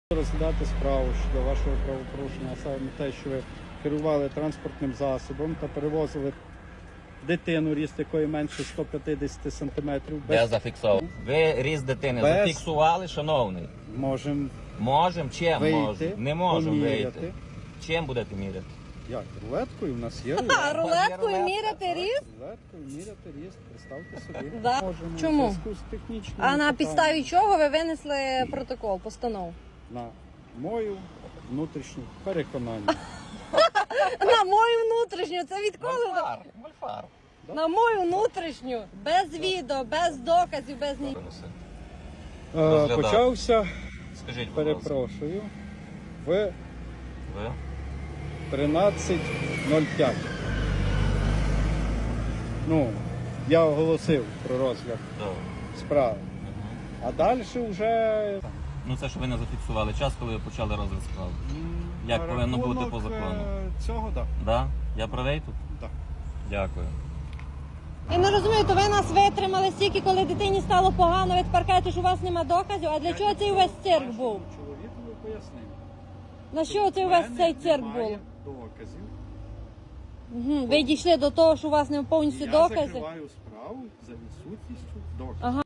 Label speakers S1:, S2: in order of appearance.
S1: Розглядати справу щодо вашого правопорушення, а саме те, що ви керували транспортним засобом та перевозили дитину, ріст якої менше 150 см.
S2: Я зафіксував. Ви ріст дитини
S1: без-
S2: зафіксували, шановний?
S1: Можемо
S2: Можемо? Чим
S1: вийти,
S2: можемо? Не можемо
S1: поміряти.
S2: вийти. Чим будете міряти?
S1: Як? Рулеткою у нас є
S3: А рулеткою міряти ріст?
S1: Рулеткою міряти ріст, представте собі.
S3: Да.
S1: Можемо
S3: Чому?
S1: в зв'язку з технічними
S3: А на
S1: питаннями.
S3: підставі чого ви винесли протокол, постанову?
S1: На мою внутрішню переконання.
S3: На мою внутрішню, це відколи?
S2: Мольфар.
S3: На мою внутрішню, без відео, без доказів, без ні.
S2: Розглядати.
S1: Почався,
S2: Скажіть, будь ласка.
S1: перепрошую, в
S2: Ви?
S1: 13:05. Ну, я оголосив про розгляд
S2: Добре.
S1: справи. А далі вже
S2: Ну це ж ви не зафіксували час, коли ви почали розгляд справи. Як повинно бути по закону?
S1: Цього, так.
S2: Да? Я правий тут?
S1: Да.
S2: Дякую.
S3: Я не розумію, то ви нас витримали стільки, коли дитині стало погано від паркету, що у вас нема доказів, а для чого цей увесь цирк був?
S1: Чоловікові пояснив.
S3: На що цей увесь цей цирк був?
S1: Немає доказів.
S3: Ви дійшли до того, що у вас не повністю
S1: Я
S3: докази?
S1: закриваю справу за відсутністю доказів.
S3: Ага.